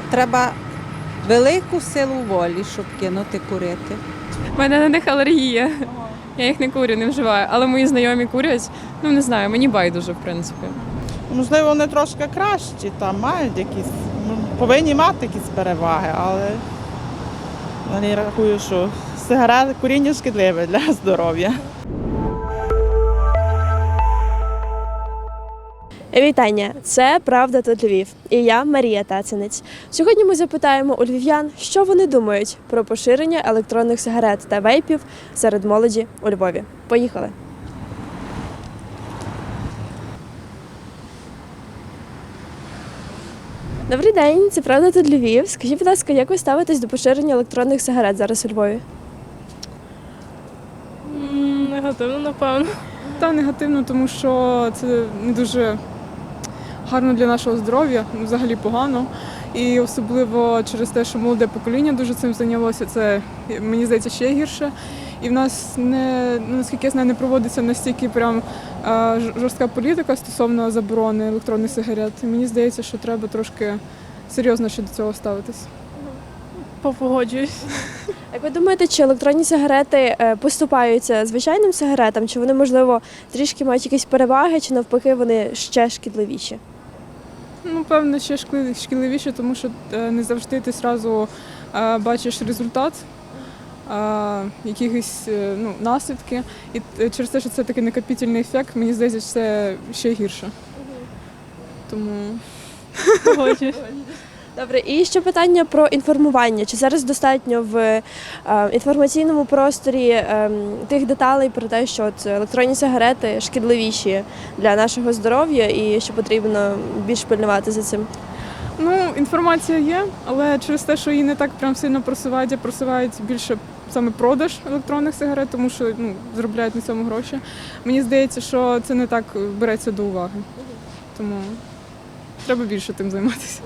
треба велику силу волі, щоб кинути курити. У мене на них алергія. Я їх не курю, не вживаю. Але мої знайомі курять. Ну не знаю, мені байдуже, в принципі. Можливо, вони трошки кращі, там мають якісь, повинні мати якісь переваги, але я рахую, що сигарети, куріння шкідливе для здоров'я. Вітання! Це «Правда тут Львів» і я Марія Тацинець. Сьогодні ми запитаємо у львів'ян, що вони думають про поширення електронних сигарет та вейпів серед молоді у Львові. Поїхали! Добрий день, це «Правда тут Львів». Скажіть, будь ласка, як ви ставитесь до поширення електронних сигарет зараз у Львові? Негативно, напевно. Та негативно, тому що це не дуже гарно для нашого здоров'я, взагалі погано. І особливо через те, що молоде покоління дуже цим зайнялося, це, мені здається, ще гірше. І в нас, наскільки я знаю, не проводиться настільки прям жорстка політика стосовно заборони електронних сигарет. І мені здається, що треба трошки серйозно ще до цього ставитись. Погоджуюсь. Як ви думаєте, чи електронні сигарети поступаються звичайним сигаретам, чи вони, можливо, трішки мають якісь переваги, чи навпаки вони ще шкідливіші? Ну, певно, ще шкідливіше, тому що не завжди ти одразу бачиш результат, якихось наслідки. І через те, що це такий накопительний ефект, мені здається, що це ще гірше. Тому погоджуюсь. Добре, і ще питання про інформування. Чи зараз достатньо в інформаційному просторі тих деталей про те, що електронні сигарети шкідливіші для нашого здоров'я і що потрібно більш пильнувати за цим? Ну, інформація є, але через те, що її не так прям сильно просувають, а просувають більше саме продаж електронних сигарет, тому що заробляють на цьому гроші. Мені здається, що це не так береться до уваги. Тому треба більше тим займатися.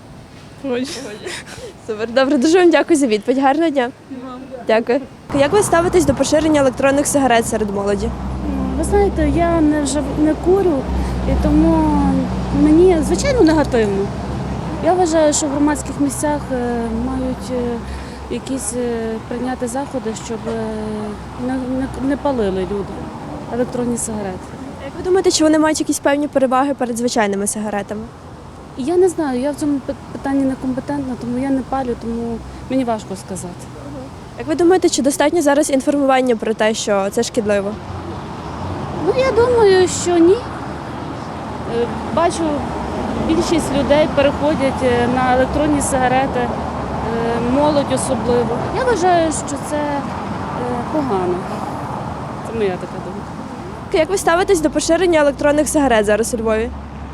Супер, добре, дуже вам дякую за відповідь. Гарного дня. Дякую. Як ви ставитесь до поширення електронних сигарет серед молоді? Ви знаєте, я не курю, і тому мені, звичайно, негативно. Я вважаю, що в громадських місцях мають якісь прийняти заходи, щоб не палили люди електронні сигарети. Як ви думаєте, чи вони мають якісь певні переваги перед звичайними сигаретами? Я не знаю, я в цьому питанні некомпетентна, тому я не палю, тому мені важко сказати. Як ви думаєте, чи достатньо зараз інформування про те, що це шкідливо? Ну, я думаю, що ні. Бачу, більшість людей переходять на електронні сигарети, молодь особливо. Я вважаю, що це погано. Це моя така думка. Як ви ставитесь до поширення електронних сигарет зараз у Львові?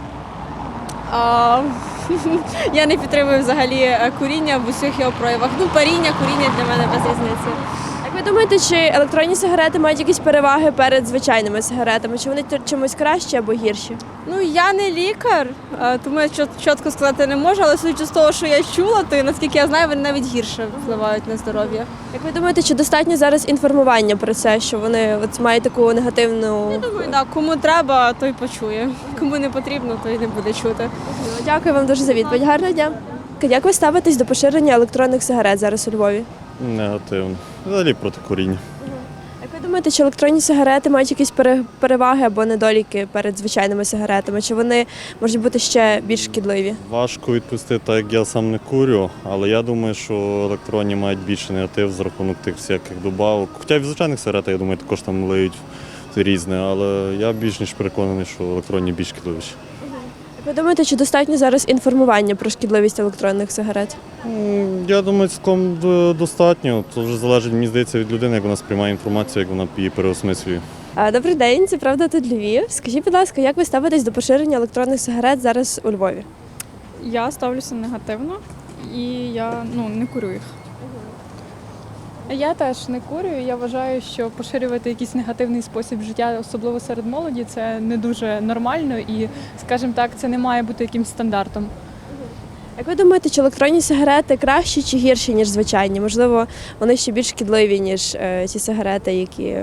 Я не підтримую взагалі куріння в усіх його проявах. Ну, паріння, куріння для мене без різниці. Як ви думаєте, чи електронні сигарети мають якісь переваги перед звичайними сигаретами? Чи вони чимось кращі або гірші? Ну, я не лікар, тому я чітко сказати не можу, але судячи з того, що я чула, то наскільки я знаю, вони навіть гірше впливають на здоров'я. Як ви думаєте, чи достатньо зараз інформування про це, що вони мають таку негативну... Я думаю, так, кому треба, той почує. Кому не потрібно, той не буде чути. Дякую вам дуже за відповідь. Гарного дня. Як ви ставитесь до поширення електронних сигарет зараз у Львові? Негативно. Взагалі проти куріння. Як ви думаєте, чи електронні сигарети мають якісь переваги або недоліки перед звичайними сигаретами? Чи вони можуть бути ще більш шкідливі? Важко відповісти, так як я сам не курю, але я думаю, що електронні мають більше негатив за рахунок тих всяких добавок. Хоча й в звичайних сигаретах, я думаю, також там лиють різне, але я більш ніж переконаний, що електронні більш шкідливіші. Як ви думаєте, чи достатньо зараз інформування про шкідливість електронних сигарет? Я думаю, цілком достатньо. Це вже залежить, мені здається, від людини, як вона сприймає інформацію, як вона її переосмислює. Добрий день, це «Правда тут Львів». Скажіть, будь ласка, як ви ставитесь до поширення електронних сигарет зараз у Львові? Я ставлюся негативно і я не курю їх. Я теж не курю. Я вважаю, що поширювати якийсь негативний спосіб життя, особливо серед молоді, це не дуже нормально і, скажімо так, це не має бути якимсь стандартом. Як ви думаєте, чи електронні сигарети кращі чи гірші, ніж звичайні? Можливо, вони ще більш шкідливі, ніж ті сигарети, які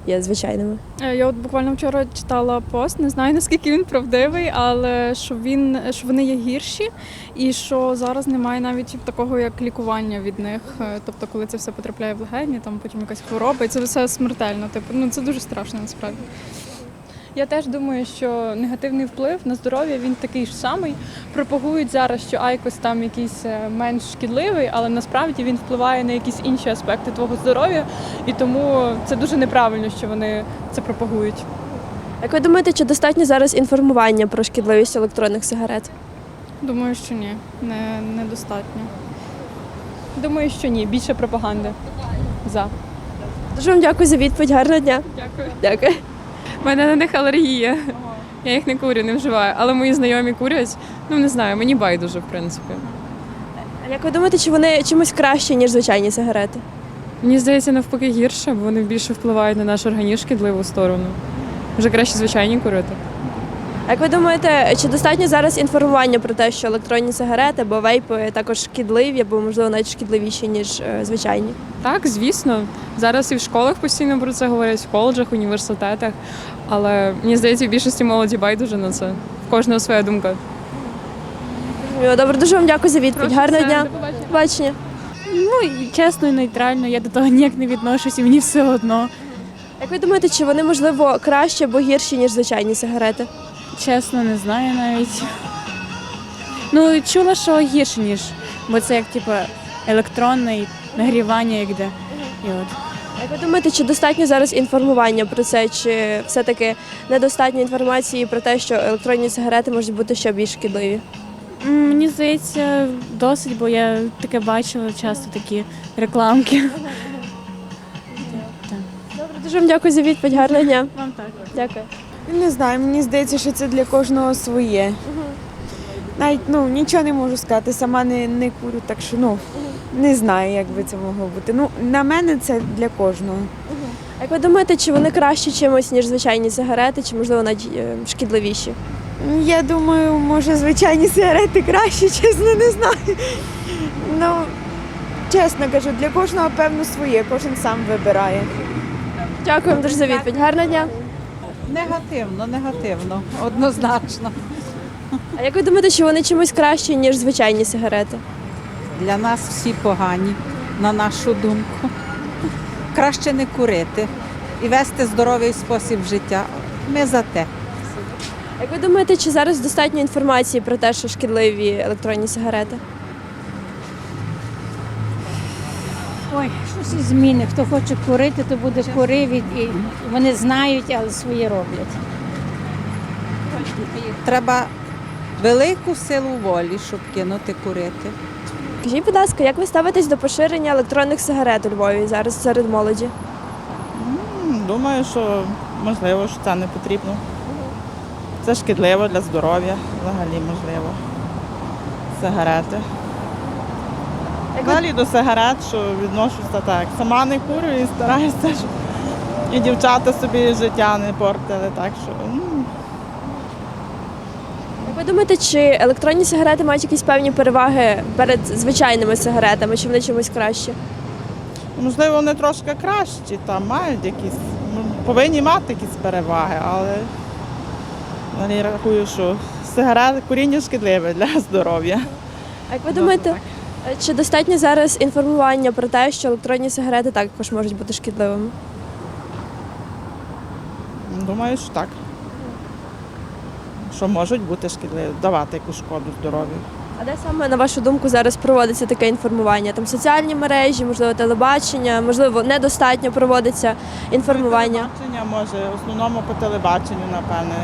є звичайними. Я от буквально вчора читала пост, не знаю наскільки він правдивий, але що вони є гірші, і що зараз немає навіть такого як лікування від них. Тобто, коли це все потрапляє в легені, там потім якась хвороба, і це все смертельно. Це дуже страшно насправді. Я теж думаю, що негативний вплив на здоров'я він такий ж самий. Пропагують зараз, що айкос там якийсь менш шкідливий, але насправді він впливає на якісь інші аспекти твого здоров'я, і тому це дуже неправильно, що вони це пропагують. Як ви думаєте, чи достатньо зараз інформування про шкідливість електронних сигарет? Думаю, що ні, недостатньо. Думаю, що ні, більше пропаганди. За. Дуже вам дякую за відповідь. Гарного дня. Дякую. Дякую. У мене на них алергія. Я їх не курю, не вживаю. Але мої знайомі курять. Не знаю, мені байдуже, в принципі. А як ви думаєте, чи вони чимось краще, ніж звичайні сигарети? Мені здається, навпаки гірше, бо вони більше впливають на наш організм в шкідливу сторону. Вже краще звичайні курити. А як ви думаєте, чи достатньо зараз інформування про те, що електронні сигарети або вейпи також шкідливі, або, можливо, навіть шкідливіші, ніж звичайні? Так, звісно. Зараз і в школах постійно про це говорять, в коледжах, університетах. Але мені здається, в більшості молоді байдуже на це. В кожного своя думка. Добре, дуже вам дякую за відповідь. Гарного дня. До побачення. Чесно і нейтрально, я до того ніяк не відношусь, і мені все одно. Як ви думаєте, чи вони, можливо, краще або гірші, ніж звичайні сигарети? Чесно, не знаю навіть. Чула, що гірше, ніж, бо це як електронне і нагрівання, як де. І от. Як ви думаєте, чи достатньо зараз інформування про це, чи все-таки недостатньо інформації про те, що електронні сигарети можуть бути ще більш шкідливі? Мені здається, досить, бо я таке бачила часто такі рекламки. Добре, дуже вам дякую за відповідь. Гарного дня. Вам так. Дякую. Не знаю, мені здається, що це для кожного своє. Навіть нічого не можу сказати, сама не курю, так що не знаю, як би це могло бути. На мене це для кожного. Як ви думаєте, чи вони краще чимось, ніж звичайні сигарети, чи, можливо, навіть шкідливіші? Я думаю, може звичайні сигарети краще, чесно, не знаю. Чесно кажу, для кожного, певно, своє, кожен сам вибирає. Дякую вам дуже за відповідь. Гарного дня. Негативно, однозначно. А як ви думаєте, чи вони чимось краще, ніж звичайні сигарети? Для нас всі погані, на нашу думку. Краще не курити і вести здоровий спосіб життя. Ми за те. Як ви думаєте, чи зараз достатньо інформації про те, що шкідливі електронні сигарети? Ой, щось і зміни. Хто хоче курити, то буде курив, і вони знають, але своє роблять. Треба велику силу волі, щоб кинути курити. Скажіть, будь ласка, як ви ставитесь до поширення електронних сигарет у Львові зараз серед молоді? Думаю, що можливо, що це не потрібно. Це шкідливо для здоров'я, взагалі можливо. Сигарети. Взагалі до сигарет, що відношуся так. Сама не курю і стараюся, щоб і дівчата собі життя не портили. Так що, Як ви думаєте, чи електронні сигарети мають якісь певні переваги перед звичайними сигаретами, чи вони чимось краще? можливо, вони трошки кращі, там мають якісь, повинні мати якісь переваги, але я рахую, що куріння шкідливе для здоров'я. А як ви думаєте, чи достатньо зараз інформування про те, що електронні сигарети також можуть бути шкідливими? Думаю, що так. Що можуть бути шкідливі, давати якусь шкоду здоров'ю. А де саме, на вашу думку, зараз проводиться таке інформування? Там соціальні мережі, можливо, телебачення, можливо, недостатньо проводиться інформування? Телебачення, може, в основному по телебаченню, напевне,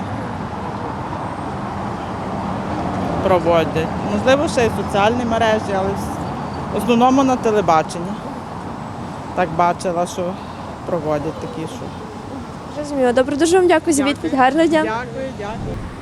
проводять. Можливо, ще й соціальні мережі, але в основному на телебаченні. Так бачила, що проводять такі, що. Розумію. Добре, дуже вам дякую за відповідь. Гарного дня. Дякую.